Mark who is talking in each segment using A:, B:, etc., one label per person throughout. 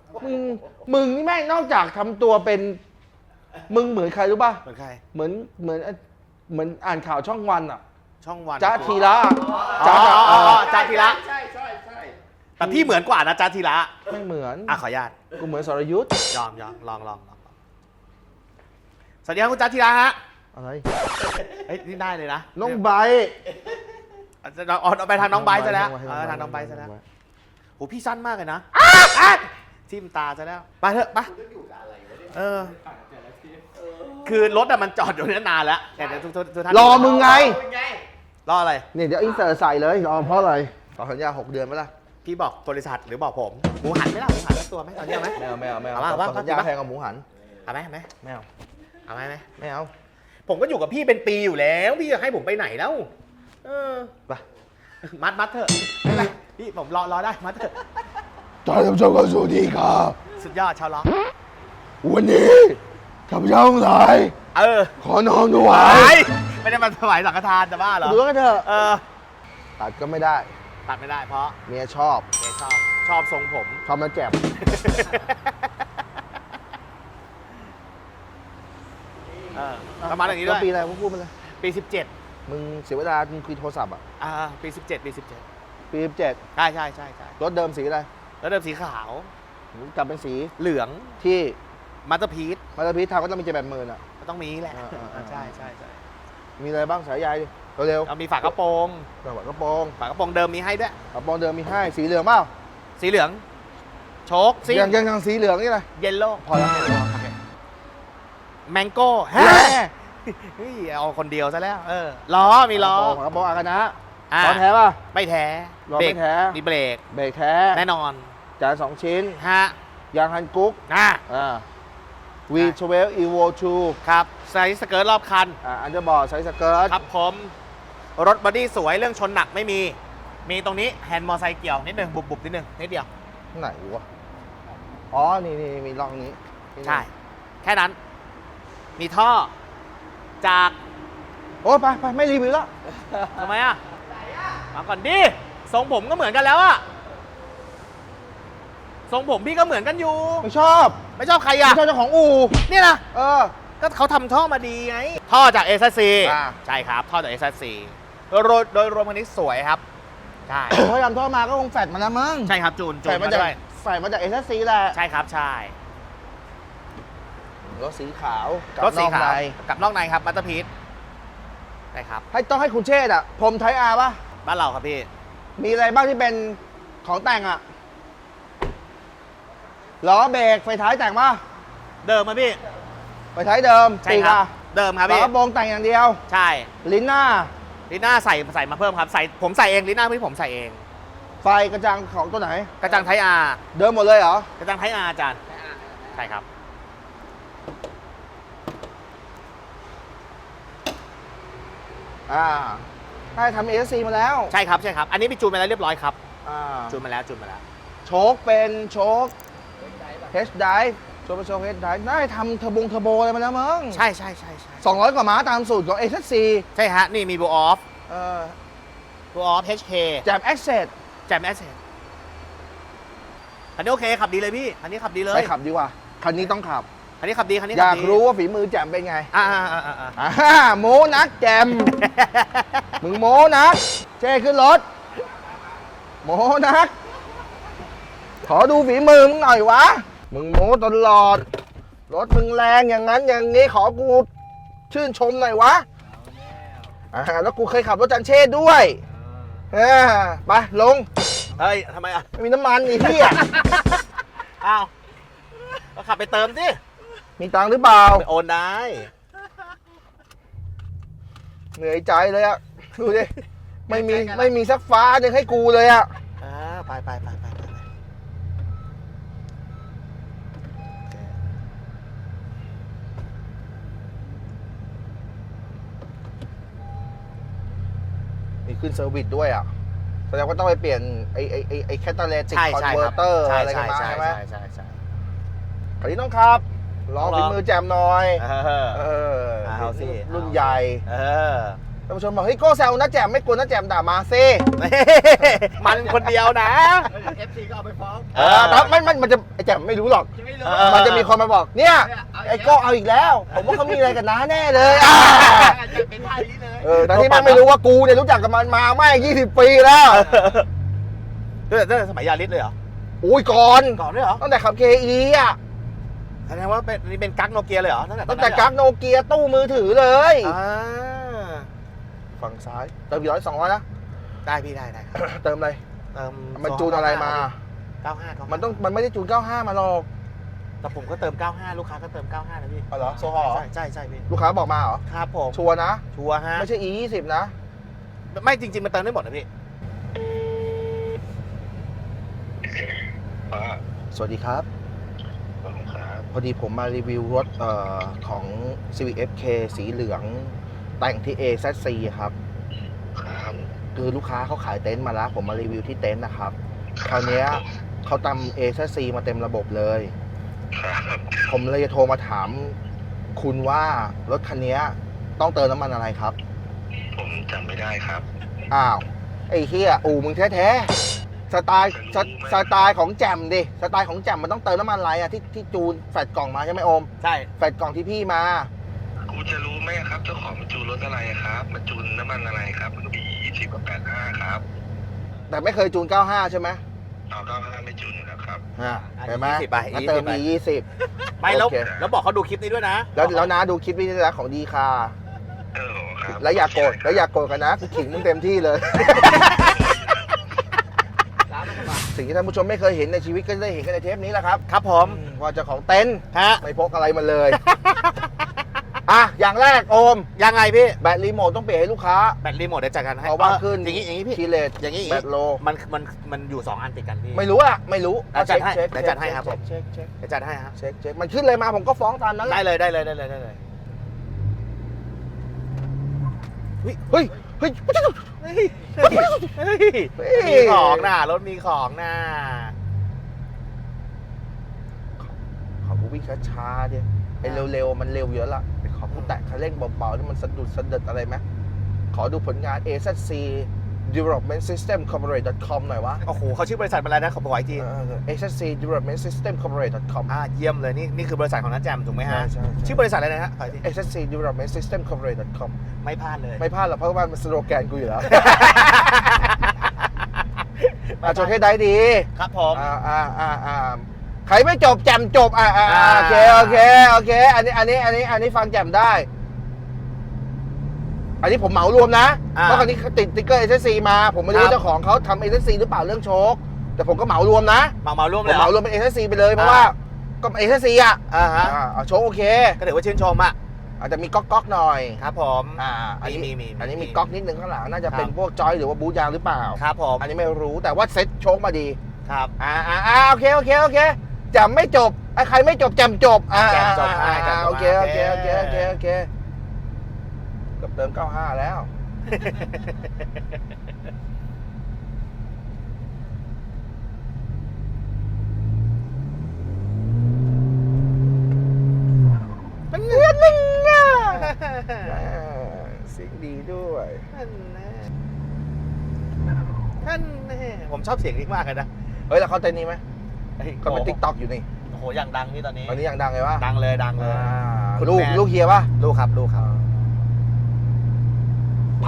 A: มึงมึงนี่แม่งนอกจากทำตัวเป็นมึงเหมือนใครรู้ป่ะ
B: เหมือนใคร
A: เหมือนอ่านข่าวช่องวันอ่ะ
B: ช่องวัน
A: จ๊ะทีละ
B: จ๊ะ
A: จ๊ะ
B: จ๊ะทีละ
C: ใช่
B: แต่พี่เหมือนกว่านะจ๊ะทีละ
A: ไม่เหมือน
B: ขออนุญาต
A: กูเหมือนสรยุทธ์
B: ยอมลองสวัสดีครับคุณจ๊ะทีละฮะ
A: อะไร
B: เฮ้ยนี่ได้เลยนะ
A: น้องไบร์
B: เอาไปทางน้องไบร์ทซะแล้วทางน้องไบร์ทซะแล้วโหพี่สั้นมากเลยนะทิ่มตาซะแล้วไปเถอะไปคือรถอะมันจอดอยู่นี่นานแล้วแต่ทุกท่าน
A: รอมึงไง
B: รออะไร
A: เนี่ยเดี๋ยวอินเสิร์ตใส่เลยรอเพราะอะไรต่อสัญญา6 เดือนไหมล่ะ
B: พี่บอกบริษัทหรือบอกผมหมูหันไหมล่ะหมูหันสักตัวไหมตอนนี้เอาไหม
A: ไม่เอา
B: เอามา
A: ต่อสัญญาแพงกว่าหมูหัน
B: เอาไหม
A: ไม่เอา
B: เอาไหม
A: ไม่เอา
B: ผมก็อยู่กับพี่เป็นปีอยู่แล้วพี่จะให้ผมไปไหนแล้ว
A: ไป
B: มัดเถอะไม่เป็นไรพี่ผมรอได้มัดเถอะ
A: ท่านผู้ชมก็สวัสดีครับ
B: สุดยอดชาวล็อก
A: วันนี้ข้าพเจ้าทั้งหลายขอน้อมถวาย
B: ไม่ได้มาถวายสังฆทานจะบ้าเหรอ
A: ดูกันเถอะ ตัดก็ไม่ได้
B: ตัดไม่ได้เพราะ
A: เมียชอบ
B: เมียชอบทรงผม
A: ชอบมาแจบ
B: ประมาณอย่างนี้ด้วย
A: ปีอะไรพูดมาเลย
B: ปี 17
A: มึงเสียเวลามึงคุยโทรศัพท์อ่ะ
B: ปี 17 ปี 17
A: ปี17
B: ใช่
A: รถเดิมสีอะไร
B: แล้วเดิมสีขาว
A: กลับเป็นสี
B: เหลือง
A: ที่
B: มาสเตอร์พีซ
A: มาตาพีททำก็ต้องมี780,000อ่ะ
B: ก็ต้องมีแหละ ใช่
A: มีอะไรบ้างสายใยดิเร็ว
B: เรามีฝากระโปรง
A: ๆกระบะกระโปรง
B: ฝากระโปรงเดิมมีให้ด้วย
A: กระโปรงเดิมมีให้สีเหลืองเปล่า
B: สีเหลืองโชคซิ่ง
A: ยังสีเหลืองนี่เลย
B: เยลโล่
A: พอแล้ว
B: แมงโก้เฮ้ยเอาคนเดียวซะแล้วล้อมีล้อก
A: ระโปรงอากานะ
B: อ่า
A: ล้อแท้ป่ะ
B: ไม่แท้
A: ล้อไม่แท้
B: มีเบรก
A: เบรกแท้
B: แน่นอน
A: จาน2 ชิ้น
B: ฮะ
A: ยางฮันกุ๊กV12 Evo
B: ครับไซส์สเกิร์ตรอบคัน
A: 2อันเดอร์บอร์ดไซส์สเกิร์ต
B: ครับผมรถบอดี้สวยเรื่องชนหนักไม่มีตรงนี้แฮนด์มอไซค์เกี่ยวนิดนึงบุบนิดนึงนิดเดียว
A: ไหนวะอ๋อนี่มีร่องนี้
B: ใช่ แค่นั้น มีท่อจาก
A: โอ้ไปไม่รีวิวแล้ว
B: ทำไมอ่ะมาก่อนดิทรงผมก็เหมือนกันแล้วอะทรงผมพี่ก็เหมือนกันอยู่
A: ไม่ชอบ
B: ไม่ชอบใครอ่ะ
A: ไม่ชอบเจ้าของอู่
B: นี่นะ
A: ก็
B: ก็เขาทำท่อมาดีไง ท่อจาก SSC ใช่ครับท่อจาก SSC โดยรวมคันนี้สวยครับใช่
A: พยายามท่อมาก็คงแฟดมาแล้วมั้ง
B: ใช่ครับจูน
A: ใส่มา
B: มา
A: จาก
B: ด้วย
A: ใส่มาจาก SSC แหละ
B: ใช่ครับใช่
A: รถสีขาวกับ
B: รถสี
A: นอก
B: ขาว
A: ใน
B: กับนอกในครับมัตเตอร์พีซใช่ครับ
A: ต้องให้คุณเชษฐ์อ่ะพรมไทยอาร์ป่ะ
B: บ้านเราครับพี่
A: มีอะไรบ้างที่เป็นของแต่งอ่ะล้อเบรกไฟท้ายแต่งป่ะ
B: เดิมมาพี่
A: ไฟท้ายเดิม
B: ใช่
A: ปีก
B: ครับ
A: อ่ะ
B: เดิมครับ
A: ฝา
B: พี่
A: กระโปรงแต่งอย่างเดียว
B: ใช่
A: ลิ้นหน้า
B: ลิน่าใส่มาเพิ่มครับผมใส่เองลิน่าพี่ผมใส่เอง
A: ไฟกระจังของตัวไหน
B: กระจังไทยอาร์
A: เดิมหมดเลยเหรอ
B: กระจังไทยอาร์อาจารย์ใช่ครับ
A: ได้ทำ SSC มาแล้ว
B: ใช่ครับอันนี้ไปจูนมาแล้วเรียบร้อยครับ จูนมาแล้ว
A: โชคเป็นโชค H Drive โชคเป็นโชค H Drive ได้ทำเทอร์โบอะไรมาแล้วมั้ง
B: ใช่
A: 200 กว่าม้าตามสูตรของ SSC
B: ใช่ฮะนี่มีบูออฟHK
A: แจม Access
B: แจมแอสเซทคันนี้โอเคขับดีเลยพี่คันนี้ขับดีเลย
A: ไปขับดีกว่า คันนี้ต้องขับ
B: คันนี้ขับดีคันนี้
A: อ
B: ขั
A: ยา
B: บ
A: ก
B: ดี
A: รู้ว่าฝีมือแจมเป็นไง โมนักแจม มึงโมนักเจ้ขึ้นรถ โมนัก ขอดูฝีมือมึงหน่อยวะ มึงโมตลอด รถมึงแรงอย่างนั้นอย่างนี้ขอกูชื่นชมหน่อยวะแล้วกูเคยขับรถจันเชษด้วยไปลง
B: เฮ้ยทำไมอ่ะ
A: ไม่มีน้ำมันอีกที่อ่ะ
B: อ้าวก็ขับไปเติมสิ
A: มีตังค์หรือเปล่า
B: ไปโอนได้
A: เหนื่อยใจเลยอ่ะ ดูดิ ไม่มีสักฟ้าหนึ่งให้กูเลยอ่ะ
B: ไป
A: มีขึ้นเซอร์วิสด้วยอ่ะแสดงว่าต้องไปเปลี่ยนไอ้แคตตาเลติกคอนเวอร์เตอร์อะไรกันมาใช่ไหม
B: ใช่
A: คันนี้ต้องครับลองฝีมือแจมหน่อย
B: เอาสิ
A: รุ่นใหญ่ท่านผู้ชมบอกเฮ้ยโก้แซวนะแจ่มไม่กลัวนะแจ่มด่ามาซิ
B: มันคนเดียวนะ
C: FC ก็เอาไปฟ้อง
A: แต่มันจะไอ้แจ่มไม่รู้หรอก
C: จะไม่รู้
A: มันจะมีคนมาบอกเนี่ยไอ้โก้เอาอีกแล้ว ผมว่าเขามีอะไรกันน้าแน่เลย
C: จะเป็นท่านี้เลย
A: แต่ที่แม่งไม่รู้ว่ากูเนี่ยรู้จักกับมันมาไม่20 ปีแล้ว
B: ตั้งแต่สมัยยาริสเลยเหรอ
A: อุ้ยก่อน
B: ก่อนด้วยเหรอ
A: ตั้งแต่ขับ KE อ่ะ
B: แสดงว่านี่เป็นกั๊กโนเกียเลยเหรอตั้ง
A: ตั้ง
B: แต่
A: แต่กั๊กโนเกียตู้มือถือเลย
B: อ่า
A: ฝั่งซ้ายเติมกี่ร้อย200นะ
B: ได้พี่ได้ครับ
A: เติมอะไร
B: เติม
A: มันจูนอะไรมา
B: 95
A: มันไม่ได้จูน 95 มาหรอก
B: แต่ผมก็เติม 95 ลูกค้าก็เติม 95 นะพี่
A: อ๋อเหรอโซฮอล์เหรอ
B: ใช่พี่
A: ลูกค้าบอกมาเหรอ
B: ครับผม
A: ชัวร์นะ
B: ชัวร์ฮะ
A: ไม่ใช่ E20 นะ
B: ไม่จริงๆมันเติมได้หมดนะพี่
A: สวัสดีครับ พอดีผมมารีวิวรถของ Civic FK สีเหลืองแต่งที่ AZC ครับคือลูกค้าเขาขายเต็นท์มาแล้ว ผมมารีวิวที่เต็นท์นะครับ คราวเนี้ยเขาตำ AZC มาเต็มระบบเลย ผมเลยจะโทรมาถามคุณว่ารถคันนี้ต้องเติมน้ำมันอะไรครับ
D: ผมจำไม่ได้ครับ
A: อ้าว ไอ้เฮียอู่มึงแท้ๆสไตล์ของแจ่มดิสไตล์ของแจ่มมันต้องเติมน้ำมันอะไรอะที่จูนแฟดกล่องมาใช่ไหมโอม
B: ใช่
A: แฟดกล่องที่พี่มา
D: กูจะรู้ไหมครับเจ้าของมันจูนรถอะไรครับมันจูนน้ำมันอะไรครับมันมี20กับ85ครับ
A: แต่ไม่เคยจูน 95 ใช่ไหม
D: เอา95ไม่จูนอยู่แล้วครับ
A: เห็นไหม
B: 20ไป
A: งั้นเติมมี
B: ไม่แล้ว
A: โอเค
B: แล้วบอกเขาดูคลิปนี้ด้วยนะ
A: 20แล้วนะดูคลิปวิดีโอของดีคา
D: ครับ
A: แล้วอย่าโกรธกันนะกูขิงมึงเต็มที่เลย สิ่งที่ท่านผู้ชมไม่เคยเห็นในชีวิตก็ได้เห็นกันในเทปนี้แหละครับ
B: ครับผม
A: ว่าเจ้าของเต็นท์
B: ฮะ
A: ไม่พกอะไรมาเลย อย่างแรกโอม
B: ยังไงพี่
A: แบตรีโมทต้องเปลี่ยนให้ลูกค้า
B: แบตรีโมทเดี๋ยวจัดการให้
A: เพราะว่าขึ้น
B: อย่างนี้พี่
A: คีเลต
B: อย่างนี้
A: แบตโล
B: มันอยู่2อันติดกันพี่
A: ไม่รู้อะไม่รู้
B: เดี๋ยวจัดให้
A: เช็ค
B: เดี๋ยวจัดให้ครับผม
A: เช็ค
B: เดี๋ยวจัดให้ครับ
A: เช็คมันขึ้นเลยมาผมก็ฟ้องตามนั้นแห
B: ได้
A: ละ
B: เลย
A: เฮ้ย
B: มีของนะรถมีของนะ
A: ขอกูวิ่งช้าๆดิไอ้เร็วๆมันเร็วเยอะละไอ้ขอกูแตะคันเร่งเบาๆนี่มันสะดุดสะเด็ดอะไรไหมขอดูผลงาน AZC Development System Corporate.com หน่อยวะ
B: โอ้โหเขาชื่อบริษัทอะไรนะขอบอกอีกที
A: AZC Development System Corporate.com
B: เยี่ยมเลยนี่คือบริษัทของนัทแจมถูกไหมฮะ
A: ใช่
B: ชื่อบริษัทอะไรนะฮะขออีกที
A: AZC Development System Corporate.com
B: ไม่พลาดเลย
A: ไม่พลาดหรอกเพราะว่ามันสโลแกนกูอยู่แล้วจดให้ได้ดี
B: ครับผม
A: ใครไม่จบแจมจบโอเคอันนี้ฟังแจมได้ อันนี้ผมเหมารวมนะเพราะคราวนี้ติดสติ๊กเกอร์ SSC มาผมไม่รู้ว่าเจ้าของเขาทำ SSC หรือเปล่าเรื่องโชคแต่ผมก็เหมารวมนะ
B: เหมาร่วม
A: ผ
B: เลย
A: มเหมารวมเป็น SSC ไปเลยเพราะว่าก็ SSC อ่ะ
B: ฮะ
A: โชคโอเค
B: ก็ถือว่าชื่นชมอ่ะ
A: อาจจะมีก๊อกหน่อย
B: ครับผม
A: อันนี้
B: มี
A: อันนี้มีก๊อกนิดนึงข้างหลังน่าจะเป็น
B: ครับ
A: พวกจอยหรือว่าบูทยางหรือเปล่า
B: ครับผม
A: อันนี้ไม่รู้แต่ว่าเซ็ตโชคมาดี
B: ครับ
A: โอเคแจมไม่จบใครไม่จบแจมจบ
B: แจมจบให้แจมจบ
A: โอเคเกือบเติม95แล้วมันเลือดนึงอ่ะเสียงดีด้วย
B: ท่านแน่ผมชอบเสียงนี้มากเลยนะ
A: เฮ้ยแล้วเขาเต้นนี้ไหมเขาเป็น TikTok อยู่นี่
B: โอ้โหอย่างดังนี่ตอนนี้
A: ตอนนี้ยังดังเลยวะ
B: ดังเลยคุณ
A: ลูก
B: แมน
A: ลูกเฮียป่ะ
B: ลูกครับ
A: ไป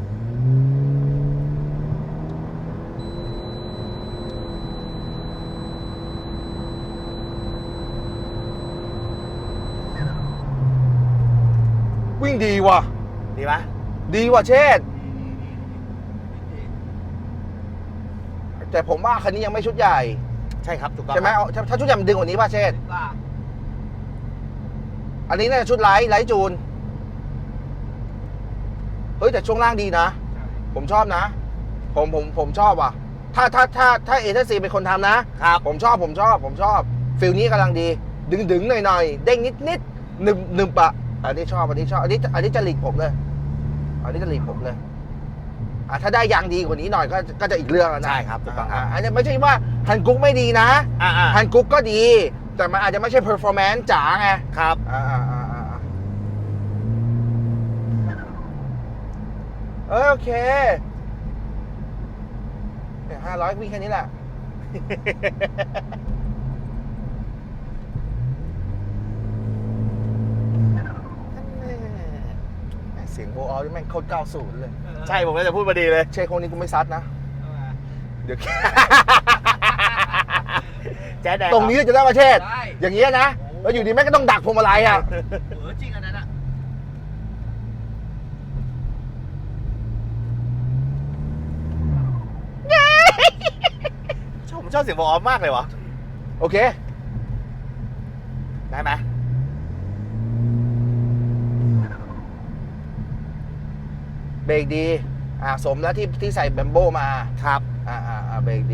A: วิ่งดีว่ะ
B: ดีปะ
A: ดีว่ะเชษฐ์แต่ผมว่าคันนี้ยังไม่ชุดใหญ่
B: ใช่ครับถูกต้อง
A: ใช่ไหมเอาถ้าชุดใหญ่มันดึงกว่านี้ป่ะเชษฐ์
C: ว่า
A: อันนี้น่าจะชุดไลท์จูน เฮ้ยแต่ช่วงล่างดีนะ ผมชอบนะ ผมชอบว่ะ ถ้าเอเทซีเป็นคนทำนะ
B: ครับ
A: ผมชอบฟิลนี้กำลังดี ดึงหน่อยเด้งนิดหนึบอะอันนี้ชอบอันนี้จะหลีกผมเลยถ้าได้ยางดีกว่านี้หน่อยก็จะอีกเรื่องแล้วนะ
B: ใช่ครับถูกต้องครับ
A: อันนี้ไม่ใช่ว่าฮันกุ๊กไม่ดีนะ
B: อ่า
A: ฮันกุ๊กก็ดี แต่มันอาจจะไม่ใช่เพอร์ฟอร์แมนซ์จ๋าไง
B: ครับ
A: โอเคเนี่ย500 วิ่งแค่นี้แหละ เสียงโบออลแม่งโคตร90เลย
B: ใช่ผมก็จะพูดมาดีเลย
A: เชคคนนี้กูไม่ซัดนะ เดี๋ยว
B: แจ๊ดแดง
A: ตรงนี้จะได้ประเทศ
C: ได้
A: อย่างเงี้ยนะ แล้วอยู่ดีแม่งก็ต้องดักพวงมาลัยอ่ะ
C: จริงอันนั้นอ่ะ
B: ผมชอบเสียงบออฟมากเลยวะ
A: โอเค
B: ได้ไหม
A: เบรกดี สมแล้วที่ใส่แบมโบมา
B: ครับ
A: เบรกดี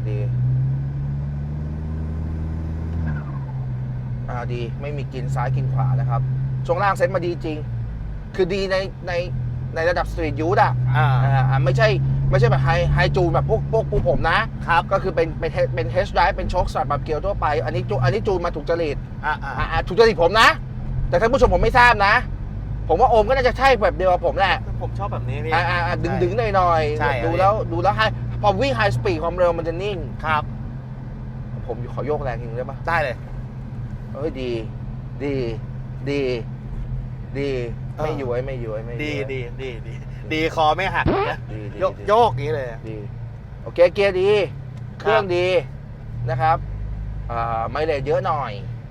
A: ดี ไม่มีกินซ้ายกินขวานะครับ ช่วงล่างเซ็ตมาดีจริง คือดีในระดับสตรีทยูทอ่ะ ไม่ใช่แบบไฮจูนแบบพวกผมนะ
B: ครับ
A: ก็คือเป็นเฮดไดรฟ์เป็นโชคสลับแบบเกียร์ทั่วไป อันนี้จูนมาถูกจริต ถูกจริตผมนะ แต่ท่านผู้ชมผมไม่ทราบนะ ผมว่าโอมก็น่าจะใช่แบบเดียวกับผมแหละ
B: ผมชอบแบบนี้พี่
A: ดึงหน่อย
B: ใช่
A: ดูแล้วไฮพอวิ่งไฮสปีดความเร็วมันจะนิ่ง
B: ครับ
A: ผมขอโยกแรงอีกได้ปะ
B: ได้เลย
A: ดี ไม่อยู่
B: ดีคอไม่หักนะ
A: ดี
B: โยกอย่างนี้เลย
A: ดีโอเคเกียร์ดี เครื่องดีนะครับไมเลจเยอะหน่อย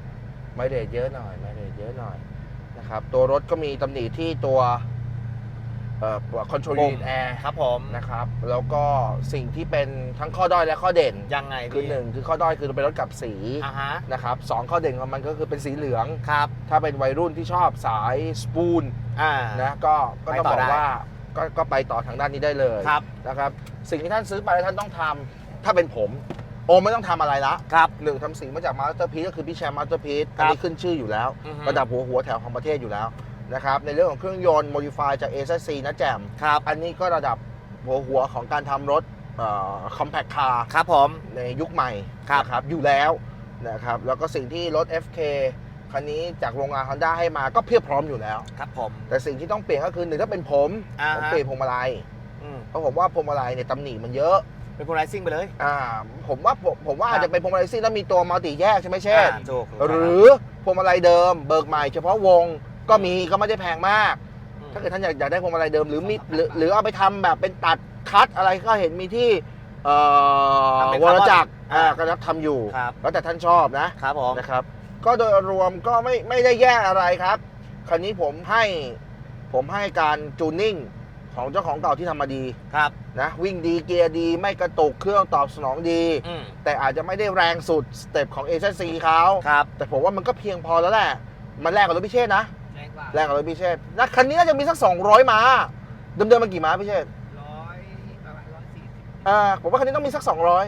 A: นะครับตัวรถก็มีตำหนิที่ตัวคอนโทรลยูนิตแอร์
B: ครับผม
A: นะครับแล้วก็สิ่งที่เป็นทั้งข้อด้อยและข้อเด่น
B: ยังไง
A: คือ1คือข้อด้อยคือเป็นรถกลับสี
B: ฮะ
A: นะครับ2ข้อเด่นของมันก็คือเป็นสีเหลือง
B: ครับ
A: ถ้าเป็นวัยรุ่นที่ชอบสายสปูน นะก็ต้องบอกว่าก็ไปต่อทางด้านนี้ได้เลย
B: ครับ
A: นะครับสิ่งที่ท่านซื้อไปแล้วท่านต้องทำถ้าเป็นผมโอมไม่ต้องทำอะไรละ
B: ครับ
A: หนึ่งทำสีมาจากมาสเตอร์พีซก็คือพี่แชมป์มาสเตอร์พีซ
B: ครั
A: อัน
B: บ
A: นี้ขึ้นชื่ออยู่แล้ว
B: อือฮึ
A: ระดับหัวแถวของประเทศอยู่แล้วนะครับในเรื่องของเครื่องยนต์โมดิฟายจาก AZC นะแจม
B: ครับ
A: อันนี้ก็ระดับหัวของการทำรถคอมแพคคาร์
B: ครับผม
A: ในยุคใหม่
B: ครับ
A: นะครับอยู่แล้วนะครับแล้วก็สิ่งที่รถ FK คันนี้จากโรงงาน Honda ให้มาก็เพียบพร้อมอยู่แล้ว
B: ครับผม
A: แต่สิ่งที่ต้องเปลี่ยนก็คือหนึ่งถ้าเป็นผม ผมเปลี่ยนพวงมาลัย เพราะผมว่าพวงมาลัยเนี่ยตำหนิมันเยอะ
B: เป็นคนไรซิ่งไปเลย
A: ผมว่าอาจจะเป็นพวงมาลัยซี่แล้วมีตัวมัลติแยกใช่ไหมเชษ
B: ถูก
A: หรือพวงมาลัยเดิมเบิกใหม่เฉพาะวงก็มีก็ไม่ได้แพงมาก ถ้าเกิดท่านอยากได้พวงมาลัยเดิมหรือมีหรือเอาไปทำแบบเป็นตัดคัดอะไรก็เห็นมีที่วรจักรก็รับทำอยู่
B: ครับ
A: แล้วแต่ท่านชอบนะครับ
B: ผม
A: นะครับ ก็โดยรวมก็ไม่ได้แย่อะไรครับคันนี้ผมให้การจูนนิ่งของเจ้าของเก่าที่ทำมาดี
B: ครับ
A: นะวิ่งดีเกียร์ดีไม่กระตุกเครื่องตอบสนองดี แต่อาจจะไม่ได้แรงสุดสเต็ปของ AZC เขา
B: ครับ
A: แต่ผมว่ามันก็เพียงพอแล้วแหละมันแรงกว่ารถพิเชษนะ
C: แรงกว่า
A: แรงกว่ารถพิเชษนะคันนี้น่าจะมีสัก200ม้าเดิมๆมันกี่ม้าพิเชษ
C: ประมาณ140
A: ผมว่าคันนี้ต้องมีสัก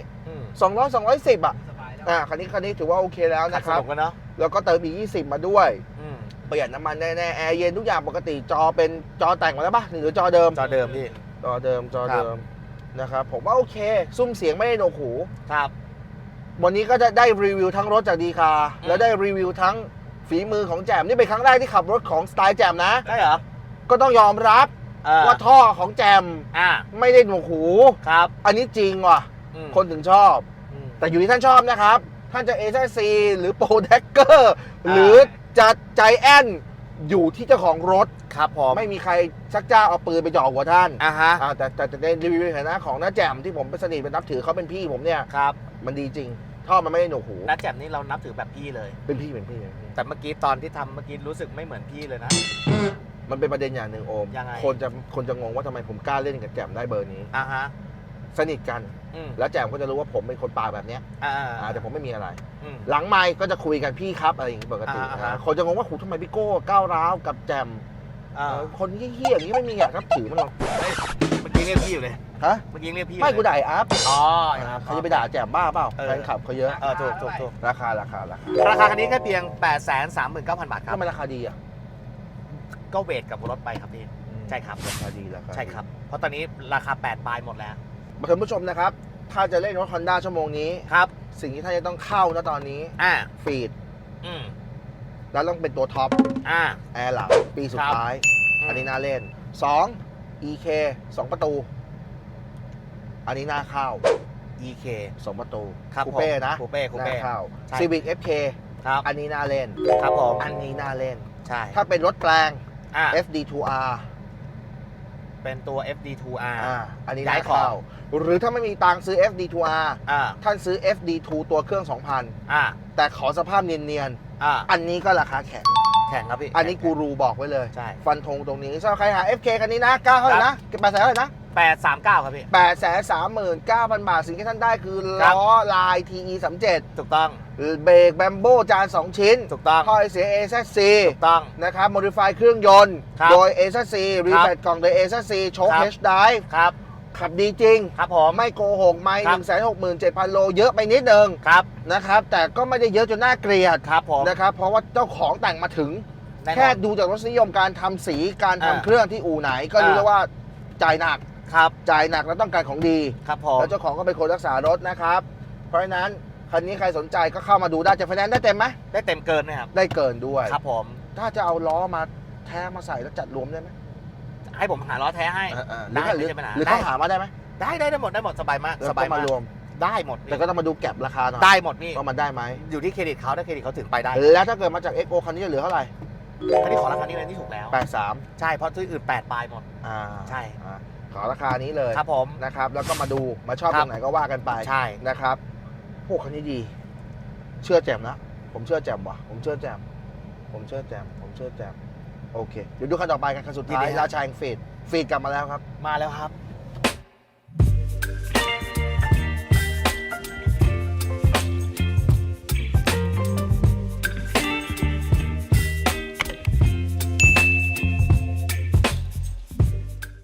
A: 200 210อ่ะ
C: สบายแล้ว
A: คันนี้ถือว่าโอเคแล้ว
B: นะ
A: นะ
B: ค
A: ค
B: รั
A: รั
B: บบ กันเนาะ
A: แล้วก็เติมอีก20มาด้วย
B: อืม
A: ประหยัดน้ำมันแน่ๆแอร์เย็นทุกอย่างปกติจอเป็นจอแต่งมาแล้วปะหรือจอเดิม
B: จอเดิมพี่
A: จอเดิมนะครับผมว่าโอเค ซุ้มเสียงไม่ได้โหนวกหู
B: ครับ
A: วันนี้ก็จะได้รีวิวทั้งรถจากดีคาร์แล้วได้รีวิวทั้งฝีมือของแจมนี่เป็นครั้งแรกที่ขับรถของสไตล์แจมนะ
B: ได้เหรอ
A: ก็ต้องยอมรับว่าท่อของแจมไม่ได้โหนวกหู
B: ครับ
A: อันนี้จริงว่ะ คนถึงชอบ แต่อยู่ที่ท่านชอบนะครับ ท่านจะ AZC หรือโปรแดกเกอร์หรือจะใจแอนอยู่ที่เจ้าของรถ
B: ครับผม
A: ไม่มีใครชักจ้าเอาปืนไปจ่อหัวท่าน
B: ฮะ
A: แต่ในรีวิวในฐานะของน้าแจ่มที่ผมเป็นสนิทเป็นนับถือเขาเป็นพี่ผมเนี่ย
B: ครับ
A: มันดีจริง ท่อมันไม่ได้หนวกหู
B: นัดแจ่มนี่เรานับถือแบบพี่เลย
A: เป็นพี่
B: แต่เมื่อกี้ตอนที่ทำเมื่อกี้รู้สึกไม่เหมือนพี่เลยนะ
A: มันเป็นประเด็นอย่างหนึ่งโอม
B: ยังไง
A: คนจะงงว่าทำไมผมกล้าเล่นกับแจ่มได้เบอร์นี้
B: ฮะ
A: สนิทกัน แล้วแจ่มก็จะรู้ว่าผมเป็นคนปากแบบเนี้ยแต่ผมไม่มีอะไร หลังไมค์ก็จะคุยกันพี่ครับอะไรอย่างนี้ปกติคนจะงงว่าทำไมพี่โก้ก้าวร้าวกับแจ่มคนเหี้ยๆอย่างนี้ไม่มีอยากนับถือมันหรอก
B: เมื่อกี้เรียกพี่อยู่เลย
A: ฮะ
B: เมื่อกี้เรียกพี่
A: ไม่กูด่าไอ้อัพ
B: อ๋อ
A: เขาจะไปด่าแจ่มบ้าเปล่าแฟนคลับเขาเยอะ
B: ถูก
A: ราคา
B: ราคาคันนี้แค่เพียง 839,000 บาทครับ
A: ทำไมราคาดีอ่ะ
B: ก็เวทกับรถไปครับพี่ ใช่ครับ
A: ราคาดี
B: ใช่ครับ เพราะตอนนี้ราคา8ปลายหมดแล้ว
A: ท่านผู้ชมนะครับ ถ้าจะเล่นรถ Honda ชั่วโมงนี้
B: ครับ
A: สิ่งที่ท่านจะต้องเข้านะตอนนี้ฟีด แล้วต้องเป็นตัวท็อป แอร์หลังปีสุดท้าย อันนี้น่าเล่น 2 EK 2 ประตู อันนี้หน้าเข้า
B: EK
A: 2 ประตู
B: ครับ
A: คูเป้นะ
B: คูเป้
A: หน้าเข้า
B: ใช่
A: Civic FK
B: ครับ
A: อันนี้หน้าเล่น
B: ครับผม
A: อันนี้หน้าเล่น
B: ใช่
A: ถ้าเป็นรถแปลง
B: อ่ะ
A: FD2R
B: เป็นตัว FD2R
A: อันนี้ห
B: ย้า
A: น้าย
B: ของ
A: เข้า หรือถ้าไม่มีตังค์ซื้อ FD2R
B: อ่า
A: ท่านซื้อ FD2 ตัวเครื่อง
B: อ่า
A: 2,000 แต่ขอสภาพเนียน
B: อ่า
A: ๆ อันนี้ก็ราคาแข็ง
B: แข่งครับพี่
A: อันนี้กูรูบอกไว้เลย
B: ใช่
A: ฟันธงตรงนี้สำหรับใครหา FK คันนี้นะกล้าเท่าไหร่นะ8แสนเท่าไหร่นะ
B: 839 ครับพี่
A: 839,000 บาท สิ่งที่ท่านได้คือ
B: ครับ
A: ล้อลาย TE37
B: ถูกต้อง
A: เบรกแบมโบจาน 2 ชิ้น
B: ถูกต้อง
A: ท่อไอเสีย AZC
B: ถูกต้อง
A: นะครับโมดิฟายเครื่องยนต์
B: ครับ
A: โดย AZC รีแฟตกล่องโดย AZC โชค
B: ครับ
A: H Drive
B: ครับ
A: ขับดีจริง
B: ครับผม
A: ไม่โกหก ไม่
B: ครับ
A: 167,000 โลเยอะไปนิดนึง
B: ครับ
A: นะครับ แต่ก็ไม่ได้เยอะจนน่าเกลียด
B: ครับผม
A: นะครับ เพราะว่าเจ้าของแต่งมาถึง
B: น่นอน
A: แค่ดูจากรสนิยมการทำสีการทำ
B: อ่า
A: เครื่องที่อู่ไหน ก็รู้
B: อ่า
A: แล้วว่าจ่ายหนัก
B: ครับ
A: จ่ายหนักแล้วต้องการของดี
B: ครับผม
A: แล้วเจ้าของก็เป็นคนรักษารถนะครับ เพราะฉะนั้นคันนี้ใครสนใจก็เข้ามาดูได้จะไฟแนนซ์ได้เต็มไหม
B: ได้เต็มเกินนะครับ
A: ได้เกินด้วย
B: ครับผม
A: ถ้าจะเอาล้อมาแท้มาใส่แล้วจัดรวมได้ไหม
B: ให้ผมหาล้อแท้ให้
A: หรือ
B: ได้
A: หรือ
B: ไม่ใช่ปัญหา
A: หรือเขาหามาได้ไหม
B: ได้หมดสบายมาก
A: แล้ว
B: ส
A: ก็
B: บายมาก
A: มารวม
B: ได้หมดพี่
A: แต่ก็ต้องมาดูแก็บราคาหน่อย
B: ได้หมดพี่
A: ว่ามันได้ไหม
B: อยู่ที่เครดิตเขาถ้าเครดิตเขาถึงไปได้
A: แล้วถ้าเกิดมาจาก XO คันนี้จะเหลือเท่าไหร่
B: คันนี้ขอราคานี้เลยที่ถูกแล้ว
A: 83
B: ใช่เพราะที่อื่น8ปลายหมด ใช่
A: ขอราคานี้เลย
B: ครับผม
A: นะครับแล้วก็มาดูมาชอบ
B: ครั
A: ต
B: บ
A: รงไหนก็ว่ากันไป
B: ใช่
A: นะครับพวกคันนี้ดี เชื่อแจมนะ ผมเชื่อแจมว่ะผมเชื่อแจมโอเคเดี๋ยวดูคันต่อไปกันคันสุดท้ายราชาแห่งฟีดกลับมาแล้วครับ
B: มาแล้วครับ